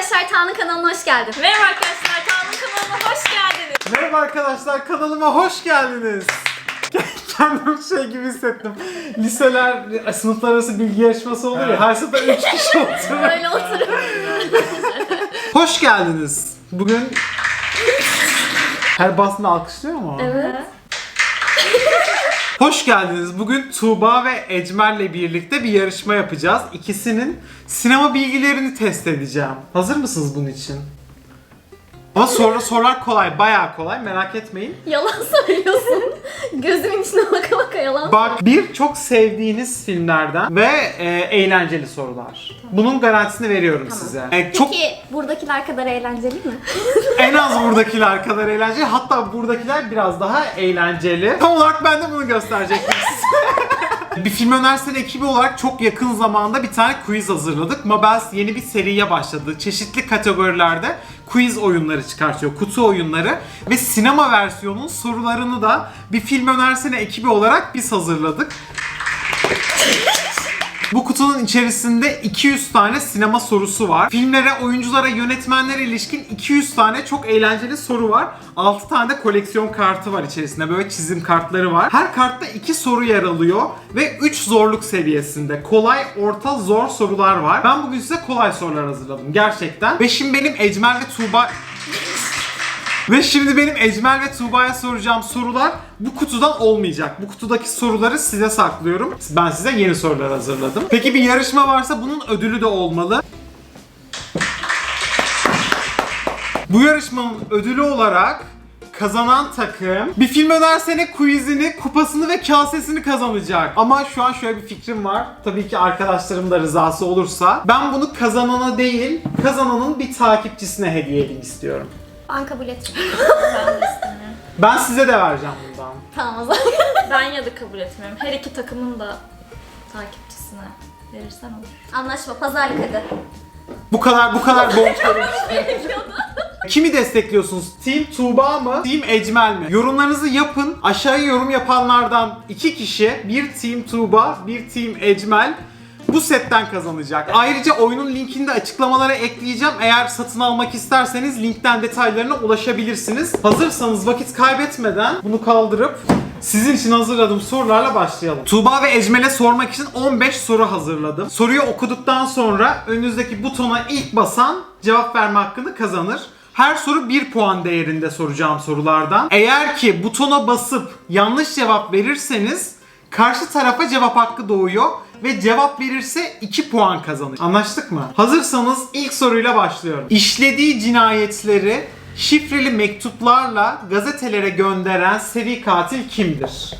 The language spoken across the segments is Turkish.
arkadaşlar, Tanrı kanalına hoş geldin. Merhaba arkadaşlar, Tanrı kanalına hoş geldiniz. Merhaba arkadaşlar, kanalıma hoş geldiniz. Kendimi şey gibi hissettim. Liseler, sınıflar arası bilgi yarışması olur ya, her sınıfta 3 kişi oturur. Böyle oturup. Hoş geldiniz. Bugün... Her basında alkışlıyor mu? Evet. Hoş geldiniz. Bugün Tuğba ve Ecmer'le birlikte bir yarışma yapacağız. İkisinin sinema bilgilerini test edeceğim. Hazır mısınız bunun için? Ama sorular kolay, bayağı kolay, merak etmeyin. Yalan söylüyorsun. Gözümün içine baka baka yalan. Bak, bir çok sevdiğiniz filmlerden ve eğlenceli sorular. Bunun garantisini veriyorum size. Çok Peki buradakiler kadar eğlenceli mi? en az buradakiler kadar eğlenceli, hatta buradakiler biraz daha eğlenceli. Tam olarak ben de bunu gösterecektim size. Bir film önersene ekibi olarak çok yakın zamanda bir tane quiz hazırladık. Mabels yeni bir seriye başladı. Çeşitli kategorilerde quiz oyunları çıkartıyor, kutu oyunları ve sinema versiyonunun sorularını da bir film önersene ekibi olarak biz hazırladık. Bu kutunun içerisinde 200 tane sinema sorusu var. Filmlere, oyunculara, yönetmenlere ilişkin 200 tane çok eğlenceli soru var. 6 tane de koleksiyon kartı var içerisinde. Böyle çizim kartları var. Her kartta 2 soru yer alıyor ve 3 zorluk seviyesinde. Kolay, orta, zor sorular var. Ben bugün size kolay sorular hazırladım gerçekten. Ve şimdi benim Ecmel ve Tuğba'ya soracağım sorular bu kutudan olmayacak. Bu kutudaki soruları size saklıyorum. Ben size yeni sorular hazırladım. Peki bir yarışma varsa bunun ödülü de olmalı. Bu yarışmanın ödülü olarak kazanan takım bir film önersene quizini, kupasını ve kasesini kazanacak. Ama şu an şöyle bir fikrim var. Tabii ki arkadaşlarım da rızası olursa. Ben bunu kazanana değil, kazananın bir takipçisine hediye edeyim istiyorum. Ben kabul etmiyorum. Ben de istemiyorum. Ben size de vereceğim bundan. Tamam o zaman. Ben ya da kabul etmiyorum. Her iki takımın da takipçisine verirsen olur. Anlaşma, pazarlık hadi. Bu kadar borç Kimi destekliyorsunuz? Team Tuğba mı? Team Ecmel mi? Yorumlarınızı yapın. Aşağıya yorum yapanlardan 2 kişi, bir Team Tuğba, bir Team Ecmel bu setten kazanacak. Ayrıca oyunun linkini de açıklamalara ekleyeceğim. Eğer satın almak isterseniz linkten detaylarına ulaşabilirsiniz. Hazırsanız vakit kaybetmeden bunu kaldırıp sizin için hazırladığım sorularla başlayalım. Tuğba ve Ecmel'e sormak için 15 soru hazırladım. Soruyu okuduktan sonra önünüzdeki butona ilk basan cevap verme hakkını kazanır. Her soru 1 puan değerinde soracağım sorulardan. Eğer ki butona basıp yanlış cevap verirseniz karşı tarafa cevap hakkı doğuyor ve cevap verirse 2 puan kazanır. Anlaştık mı? Hazırsanız ilk soruyla başlıyorum. İşlediği cinayetleri şifreli mektuplarla gazetelere gönderen seri katil kimdir?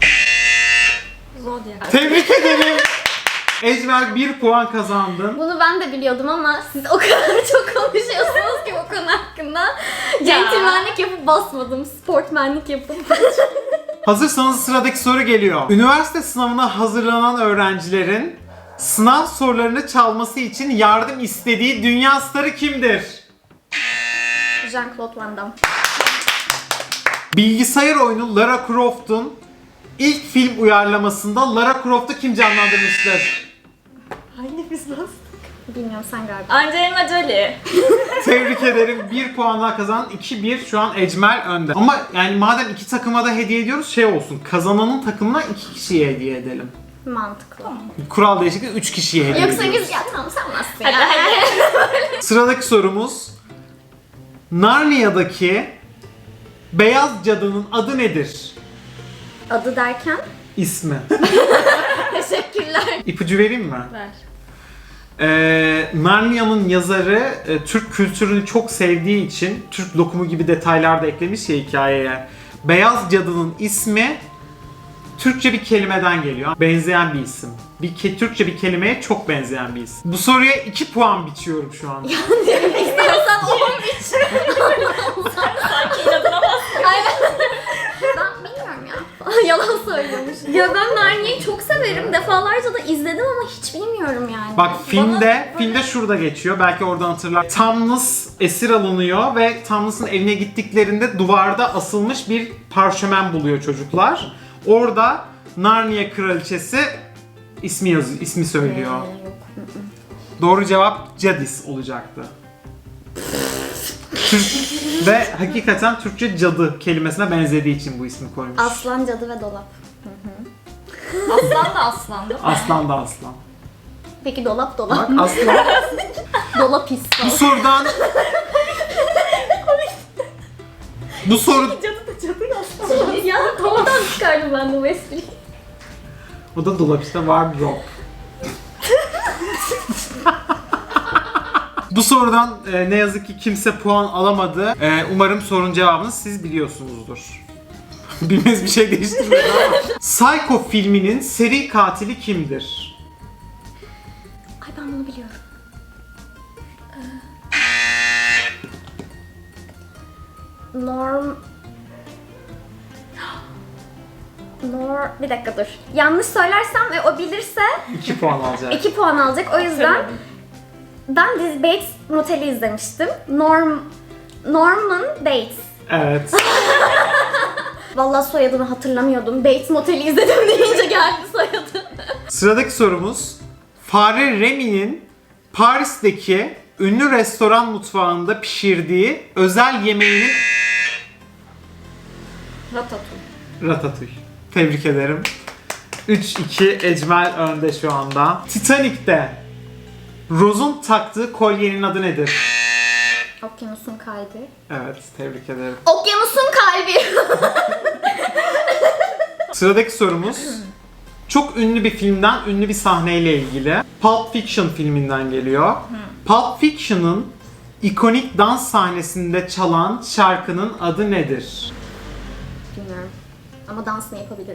Zodiac. Tebrik ederim. Ecmel 1 puan kazandın. Bunu ben de biliyordum ama siz o kadar çok konuşuyorsunuz ki bu konu hakkında. Centilmenlik yapıp basmadım, sportmenlik yapıp. Hazırsanız sıradaki soru geliyor. Üniversite sınavına hazırlanan öğrencilerin sınav sorularını çalması için yardım istediği dünya starı kimdir? Jean-Claude Van Damme. Bilgisayar oyunu Lara Croft'un ilk film uyarlamasında Lara Croft'u kim canlandırmıştır? Hangi biz nasıl? Bilmiyorum, sen galiba. Angelina Jolie. Tebrik ederim. 1 puan daha kazandın. 2-1 şu an Ecmel önde. Ama yani madem iki takıma da hediye ediyoruz şey olsun. Kazananın takımına 2 kişiye hediye edelim. Mantıklı. Kural değişikliği 3 kişiye hediye Yoksa ediyoruz. biz ya tamam sen varsın Hadi ya. hadi. Sıradaki sorumuz. Narnia'daki beyaz cadının adı nedir? Adı derken? İsmi. Teşekkürler. İpucu vereyim mi? Ver. Narnia'nın yazarı Türk kültürünü çok sevdiği için Türk lokumu gibi detaylar da eklemiş ya hikayeye. Beyaz cadının ismi Türkçe bir kelimeden geliyor. Benzeyen bir isim. Türkçe bir kelimeye çok benzeyen bir isim. Bu soruya 2 puan biçiyorum şu an. İstiyorsan 13. Sanki inadına bas. Aynen. Ben bilmiyorum ya. Yalan söylüyormuş. Ya ben Narnia'yı çok severim. Defalarca da izledim ama hiç bilmiyorum yani. Bak filmde şurada geçiyor. Belki oradan hatırlar. Tamnus esir alınıyor ve Tamnus'un evine gittiklerinde duvarda asılmış bir parşömen buluyor çocuklar. Orada Narnia kraliçesi ismi söylüyor. Yok. Doğru cevap Jadis olacaktı. Ve hakikaten Türkçe cadı kelimesine benzediği için bu ismi koymuş. Aslan, cadı ve dolap. Aslan da aslan değil mi? Aslan da aslan. Peki dolap Bak aslan. dolap his. Bu sorudan... Bu soru... Cadı da cadı aslan. Ya oradan çıkardım ben de bu espriyi. O da dolap işte, wardrobe. Bu sorudan ne yazık ki kimse puan alamadı. Umarım sorunun cevabını siz biliyorsunuzdur. Bilmez bir şey değiştirmedi ama. Psycho filminin seri katili kimdir? Ay ben bunu biliyorum. Bir dakika dur. Yanlış söylersem ve o bilirse 2 puan alacak. 2 puan alacak. O yüzden ben Bates Motel'i izlemiştim. Norman Bates. Evet. Vallahi soyadını hatırlamıyordum. Bates Motel'i izledim deyince geldi soyadı. Sıradaki sorumuz. Fare Remy'nin Paris'teki ünlü restoran mutfağında pişirdiği özel yemeğinin... Ratatouille. Tebrik ederim. 3-2 Ecmel önde şu anda. Titanic'te Rose'un taktığı kolyenin adı nedir? Okyanusun kalbi. Evet, tebrik ederim. Okyanusun kalbi. Sıradaki sorumuz çok ünlü bir filmden ünlü bir sahneyle ilgili. Pulp Fiction filminden geliyor. Pulp Fiction'ın ikonik dans sahnesinde çalan şarkının adı nedir? Bilmiyorum. Ama dansını yapabilirim.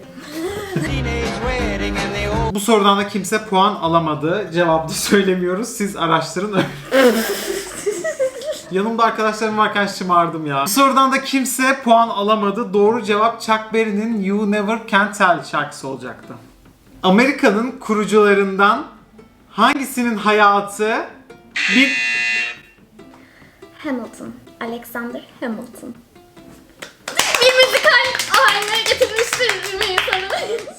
Bu sorudan da kimse puan alamadı. Cevabı da söylemiyoruz. Siz araştırın. Yanımda arkadaşlarım varken şımardım ya. Bu sorudan da kimse puan alamadı. Doğru cevap Chuck Berry'nin You Never Can Tell şarkısı olacaktı. Amerika'nın kurucularından hangisinin hayatı bir... Hamilton. Alexander Hamilton. Bir müzikal haline getirmiştir bir insanı.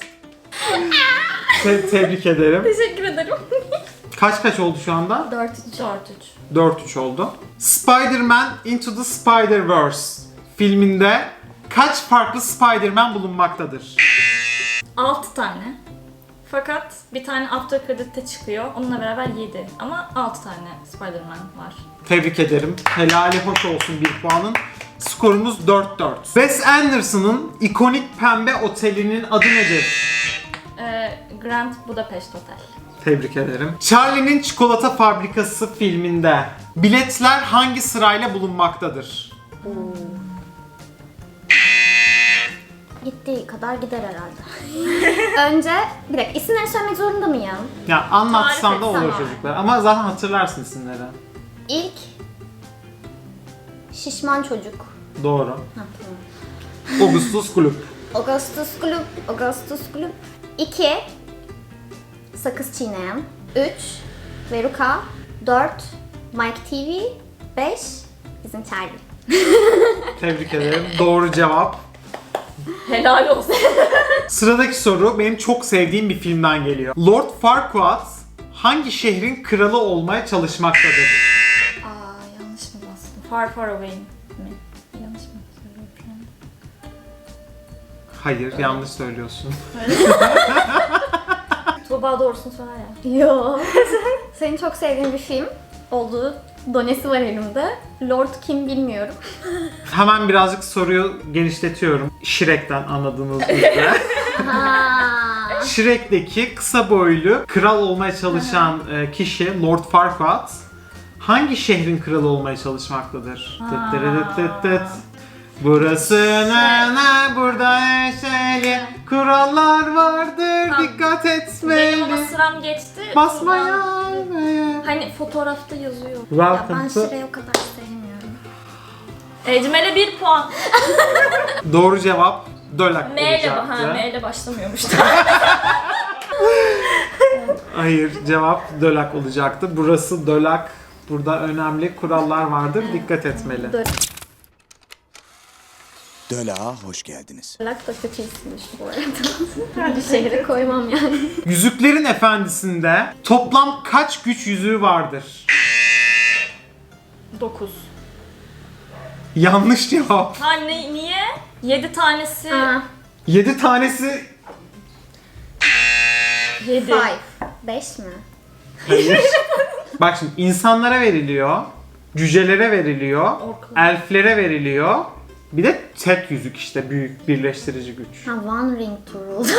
Tebrik ederim. Teşekkür ederim. Kaç oldu şu anda? 4-3. 4-3 oldu. Spider-Man Into the Spider-Verse filminde kaç farklı Spider-Man bulunmaktadır? 6 tane. Fakat bir tane after credit'te çıkıyor. Onunla beraber 7. Ama 6 tane Spider-Man var. Tebrik ederim. Helali hoş olsun bir puanın. Skorumuz 4-4. Wes Anderson'ın ikonik pembe otelinin adı nedir? Grand Budapest Hotel. Tebrik ederim. Charlie'nin Çikolata Fabrikası filminde biletler hangi sırayla bulunmaktadır? Gittiği kadar gider herhalde. Önce, bir dakika isimleri söylemek zorunda mıyım? Ya anlatsam Tarif da olur etsem çocuklar. Ama zaten hatırlarsın isimleri. İlk şişman çocuk. Doğru. Ha, tamam. Augustus Gloop. Augustus Gloop. 2 sakız çiğneyen. 3 Veruca. 4 Mike TV. 5 bizim Charlie. Tebrik ederim. Doğru cevap. Helal olsun. Sıradaki soru benim çok sevdiğim bir filmden geliyor. Lord Farquaad hangi şehrin kralı olmaya çalışmaktadır? Yanlış mı bastım? Far Far Away mi? Yanlış mı söylüyorum şu an? Hayır, yanlış söylüyorsun. Tuğba doğrusunu söyler ya. Yo. Senin çok sevdiğin bir film olduğu donesi var elimde. Lord kim bilmiyorum. Hemen birazcık soruyu genişletiyorum. Shrek'ten anladığınız üzere. Shrek'teki kısa boylu kral olmaya çalışan kişi Lord Farquaad hangi şehrin kralı olmaya çalışmaktadır? Burası ne burada neşeli kurallar vardır Tamam. dikkat Benim ama etmeli. sıram geçti. Basmaya. Hani fotoğrafta yazıyor. Ya Welcome ben to... Şire'yi o kadar sevmiyorum. Ecmel'e 1 puan. Doğru cevap Dölak M ile, olacaktı. M ile başlamıyormuş. Hayır, cevap Dölak olacaktı. Burası Dölak. Burada önemli kurallar vardır. Dikkat etmeli. Dölak'a hoş geldiniz. Lak da kötü isimmiş bu arada. Bir şehre koymam yani. Yüzüklerin Efendisi'nde toplam kaç güç yüzüğü vardır? 9. Yanlış cevap. Ha niye? 7 tanesi... Aa, 7 tanesi 7. 5. 5 mi? hayır. Bak şimdi insanlara veriliyor, cücelere veriliyor, Orklar. elflere veriliyor. Bir de tek yüzük işte büyük birleştirici güç. Ha, One Ring to Rule.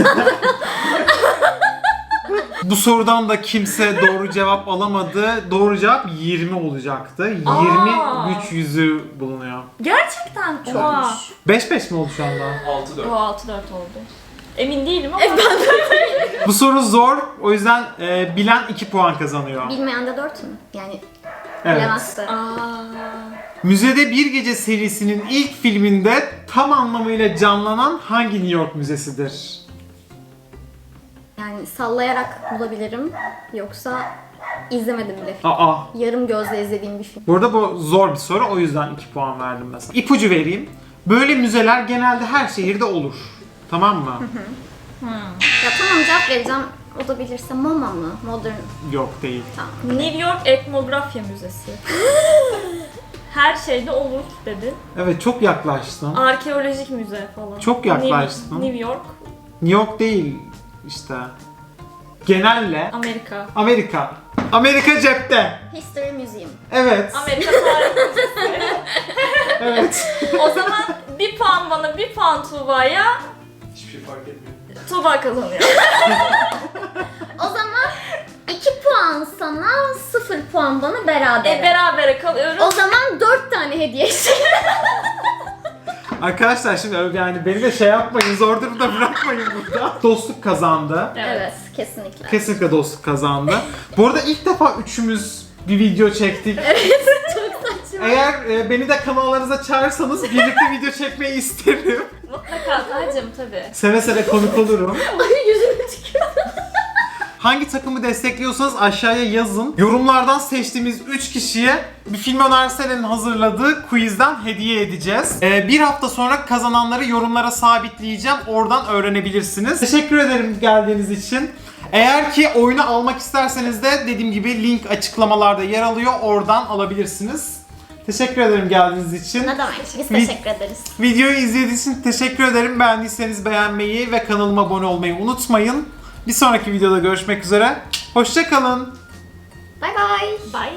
Bu sorudan da kimse doğru cevap alamadı. Doğru cevap 20 olacaktı. 20 güç yüzüğü bulunuyor. Gerçekten çok. 5-5 mi oldu şu anda? 6-4. O 6-4 oldu. Emin değilim ama. Bu soru zor. O yüzden bilen 2 puan kazanıyor. Bilmeyen de 4 mü? Yani Evet. bilemezdi. Müzede Bir Gece serisinin ilk filminde tam anlamıyla canlanan hangi New York müzesidir? Yani sallayarak bulabilirim. Yoksa izlemedim bile. Aa. Yarım gözle izlediğim bir film. Bu arada bu zor bir soru. O yüzden 2 puan verdim mesela. İpucu vereyim. Böyle müzeler genelde her şehirde olur. Tamam mı? Ya tamam, cevap vereceğim. O da bilirse MoMA mı? Modern. Yok değil. Tamam. New York Etnografya Müzesi. Her şeyde olur dedin. Evet, çok yaklaştın. Arkeolojik müze falan. Çok yaklaştın. New York, New York değil işte. Genelle Amerika. Amerika. Amerika cepte. History Museum. Evet. Amerika Tarih Müzesi. Evet. O zaman bir puan bana, bir puan Tuğba'ya. Hiçbir şey fark etmiyor. Tuğba kazanıyor. O zaman 2 puan sana, 0 puan bana, beraber. Berabere kalıyoruz. O zaman 4 tane hediye Arkadaşlar şimdi yani beni de şey yapmayın, zor durumda bırakmayın burada. Dostluk kazandı. Evet, kesinlikle. Kesinlikle dostluk kazandı. Bu arada ilk defa üçümüz bir video çektik. Çok saçma. Eğer beni de kanallarınıza çağırırsanız birlikte video çekmeyi isterim. Mutlaka Tacım tabii. Seve seve konuk olurum. Ay, yüzüme tükürdü. Hangi takımı destekliyorsanız aşağıya yazın. Yorumlardan seçtiğimiz 3 kişiye bir film önerselerinin hazırladığı quizden hediye edeceğiz. Bir hafta sonra kazananları yorumlara sabitleyeceğim. Oradan öğrenebilirsiniz. Teşekkür ederim geldiğiniz için. Eğer ki oyunu almak isterseniz de dediğim gibi link açıklamalarda yer alıyor. Oradan alabilirsiniz. Teşekkür ederim geldiğiniz için. Ne demek? Biz teşekkür ederiz. Videoyu izlediğiniz için teşekkür ederim. Beğendiyseniz beğenmeyi ve kanalıma abone olmayı unutmayın. Bir sonraki videoda görüşmek üzere. Hoşça kalın. Bay bay. Bye.